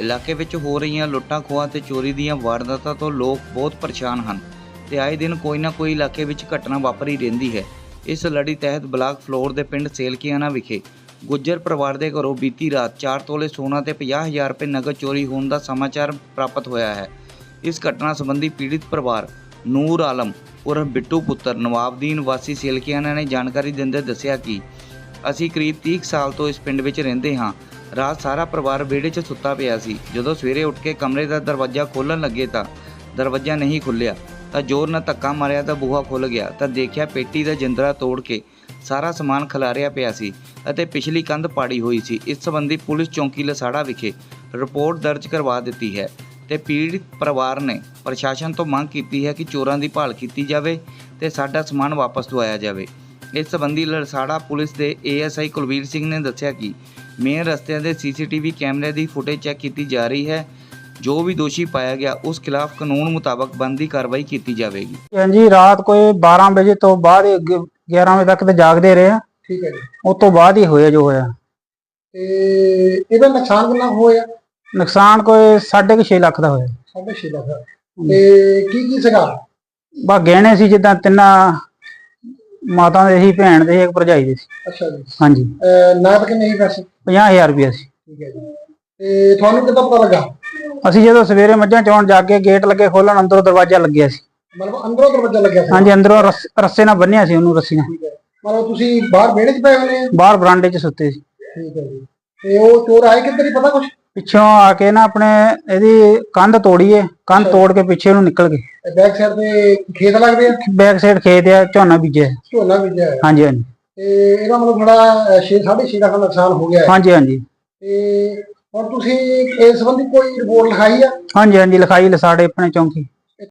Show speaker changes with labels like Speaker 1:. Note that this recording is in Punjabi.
Speaker 1: ਇਲਾਕੇ ਵਿੱਚ ਹੋ ਰਹੀਆਂ ਲੁੱਟਾਂ ਖੋਹਾਂ ਤੇ ਚੋਰੀ ਦੀਆਂ ਵਾਰਦਾਤਾਂ ਤੋਂ ਲੋਕ ਬਹੁਤ ਪਰੇਸ਼ਾਨ ਹਨ ਤੇ ਆਏ ਦਿਨ ਕੋਈ ਨਾ ਕੋਈ ਇਲਾਕੇ ਵਿੱਚ ਘਟਨਾ ਵਾਪਰੀ ਰਹਿੰਦੀ ਹੈ। ਇਸ ਲੜੀ ਤਹਿਤ ਬਲਾਕ ਫਲੋਰ ਦੇ ਪਿੰਡ ਸੇਲਕੀਆਣਾ ਵਿਖੇ ਗੁੱਜਰ ਪਰਿਵਾਰ ਦੇ ਘਰੋਂ ਬੀਤੀ ਰਾਤ 4 ਤੋਲੇ ਸੋਨਾ ਤੇ 50,000 ਰੁਪਏ ਨਗਦ ਚੋਰੀ ਹੋਣ ਦਾ ਸਮਾਚਾਰ ਪ੍ਰਾਪਤ ਹੋਇਆ ਹੈ। ਇਸ ਘਟਨਾ ਸੰਬੰਧੀ ਪੀੜਿਤ ਪਰਿਵਾਰ ਨੂਰ ਆਲਮ ਉਰਫ ਬਿੱਟੂ ਪੁੱਤਰ ਨਵਾਬਦੀਨ ਵਾਸੀ ਸੇਲਕੀਆਣਾ ਨੇ ਜਾਣਕਾਰੀ ਦਿੰਦੇ ਦੱਸਿਆ ਕਿ ਅਸੀਂ ਕਰੀਬ 30 ਸਾਲ ਤੋਂ ਇਸ ਪਿੰਡ ਵਿੱਚ ਰਹਿੰਦੇ ਹਾਂ। ਰਾਤ ਸਾਰਾ ਪਰਿਵਾਰ ਵਿਹੜੇ 'ਚ ਸੁੱਤਾ ਪਿਆ ਸੀ। ਜਦੋਂ ਸਵੇਰੇ ਉੱਠ ਕੇ ਕਮਰੇ ਦਾ ਦਰਵਾਜ਼ਾ ਖੋਲ੍ਹਣ ਲੱਗੇ ਤਾਂ ਦਰਵਾਜ਼ਾ ਨਹੀਂ ਖੁੱਲ੍ਹਿਆ ਤਾਂ ਜ਼ੋਰ ਨਾਲ ਧੱਕਾ ਮਾਰਿਆ ਤਾਂ ਬੂਹਾ ਖੁੱਲ੍ਹ ਗਿਆ ਤਾਂ ਦੇਖਿਆ ਪੇਟੀ ਦਾ ਜਿੰਦਰਾ ਤੋੜ ਕੇ ਸਾਰਾ ਸਮਾਨ ਖਿਲਾਰਿਆ ਪਿਆ ਸੀ ਅਤੇ ਪਿਛਲੀ ਕੰਧ ਪਾੜੀ ਹੋਈ ਸੀ। ਇਸ ਸੰਬੰਧੀ ਪੁਲਿਸ ਚੌਂਕੀ ਲਸਾੜਾ ਵਿਖੇ ਰਿਪੋਰਟ ਦਰਜ ਕਰਵਾ ਦਿੱਤੀ ਹੈ ਤੇ ਪੀੜਿਤ ਪਰਿਵਾਰ ਨੇ ਪ੍ਰਸ਼ਾਸਨ ਤੋਂ ਮੰਗ ਕੀਤੀ ਹੈ ਕਿ ਚੋਰਾਂ ਦੀ ਭਾਲ ਕੀਤੀ ਜਾਵੇ ਤੇ ਸਾਡਾ ਸਮਾਨ ਵਾਪਸ ਦਵਾਇਆ ਜਾਵੇ। ਇਸ ਸੰਬੰਧੀ ਲਸਾੜਾ ਪੁਲਿਸ ਦੇ ASI ਕੁਲਵੀਰ ਸਿੰਘ ਨੇ ਦੱਸਿਆ ਕਿ ਮੇਨ ਰਸਤਿਆਂ ਦੇ CCTV ਕੈਮਰੇ ਦੀ ਫੁਟੇਜ ਚੈੱਕ ਕੀਤੀ ਜਾ ਰਹੀ ਹੈ। ਜੋ ਵੀ ਦੋਸ਼ੀ ਪਾਇਆ ਗਿਆ ਉਸ ਖਿਲਾਫ ਕਾਨੂੰਨ ਮੁਤਾਬਕ ਬਣਦੀ ਕਾਰਵਾਈ ਕੀਤੀ ਜਾਵੇਗੀ।
Speaker 2: ਹਾਂਜੀ, ਰਾਤ ਕੋਈ 12 ਵਜੇ ਤੋਂ ਬਾਅਦ 11 ਵਜੇ ਤੱਕ ਤੇ ਜਾਗਦੇ ਰਹੇ ਆ।
Speaker 3: ਠੀਕ ਹੈ ਜੀ।
Speaker 2: ਉਸ ਤੋਂ ਬਾਅਦ ਹੀ ਹੋਇਆ ਜੋ ਹੋਇਆ।
Speaker 3: ਤੇ ਇਹਦਾ ਨੁਕਸਾਨ ਕਿੰਨਾ ਹੋਇਆ?
Speaker 2: ਨੁਕਸਾਨ ਕੋਈ 6.5 ਲੱਖ ਦਾ ਹੋਇਆ।
Speaker 3: 6.5 ਲੱਖ। ਤੇ ਕੀ ਸੀਗਾ?
Speaker 2: ਬਸ ਗਹਿਣੇ ਸੀ, ਜਿੱਦਾਂ ਤਿੰਨਾਂ ਮਾਤਾ ਦੇ ਸੀ, ਭੈਣ ਦੇ ਇੱਕ ਭਰਜਾਈ ਦੇ ਸੀ।
Speaker 3: ਅੱਛਾ ਜੀ।
Speaker 2: ਹਾਂਜੀ।
Speaker 3: ਨਗਦ ਕਿੰਨੇ ਸੀ ਪੈਸੇ?
Speaker 2: 50,000 ਰੁਪਇਆ ਸੀ।
Speaker 3: ਠੀਕ ਹੈ ਜੀ। ਤੇ ਤੁਹਾਨੂੰ ਕਿੱਦਾਂ ਪਤਾ ਲੱਗਾ?
Speaker 2: ਅਸੀਂ ਜਦੋਂ ਸਵੇਰੇ ਮੱਝਾਂ ਚੋਣ ਜਾ ਕੇ ਗੇਟ ਲੱਗੇ ਖੋਲਣ, ਅੰਦਰੋਂ ਦਰਵਾਜ਼ਾ ਲੱਗਿਆ ਸੀ।
Speaker 3: ਮਤਲਬ ਅੰਦਰੋਂ ਦਰਵਾਜ਼ਾ ਲੱਗਿਆ ਸੀ?
Speaker 2: ਹਾਂਜੀ, ਅੰਦਰੋਂ ਰੱਸੇ ਨਾਲ ਬੰਨਿਆ ਸੀ ਉਹਨੂੰ, ਰੱਸੀ ਨਾਲ।
Speaker 3: ਠੀਕ ਹੈ। ਮਤਲਬ ਤੁਸੀਂ ਬਾਹਰ ਵਿਹੜੇ 'ਚ ਪਏ ਹੋਏ?
Speaker 2: ਬਾਹਰ ਬਰਾਂਡੇ 'ਚ ਸੁੱਤੇ ਸੀ।
Speaker 3: ਠੀਕ ਹੈ ਜੀ। ਤੇ ਉਹ ਚੋਰ ਆਏ ਕਿੱਧਰ ਹੀ ਪਤਾ ਕੁਛ?
Speaker 2: ਪਿੱਛੋਂ ਆ ਕੇ ਨਾ ਆਪਣੇ ਇਹਦੀ ਕੰਧ ਤੋੜੀਏ, ਕੰਧ ਤੋੜ ਕੇ ਪਿੱਛੇ ਨੂੰ ਨਿਕਲ ਗਏ।
Speaker 3: ਬੈਕ ਸਾਈਡ ਤੇ ਖੇਤ ਲੱਗਦੇ ਆ?
Speaker 2: ਬੈਕ ਸਾਈਡ ਖੇਤ ਆ, ਝੋਨਾ ਬੀਜਿਆ।
Speaker 3: ਝੋਨਾ ਬੀਜਿਆ ਹੈ?
Speaker 2: ਹਾਂਜੀ ਹਾਂਜੀ।
Speaker 3: ਤੇ ਇਹਦਾ ਮਤਲਬ ਥੋੜਾ 6.5 ਲੱਖ ਦਾ ਨੁਕਸਾਨ ਹੋ ਗਿਆ ਹੈ?
Speaker 2: ਹਾਂਜੀ ਹਾਂਜੀ।
Speaker 3: ਤੇ ਹੁਣ ਤੁਸੀਂ ਇਸ ਸੰਬੰਧੀ ਕੋਈ ਰਿਪੋਰਟ ਲਿਖਾਈ ਆ?
Speaker 2: ਹਾਂਜੀ ਹਾਂਜੀ, ਲਿਖਾਈ ਲਸਾੜੇ ਆਪਣੇ ਚੌਂਕੀ।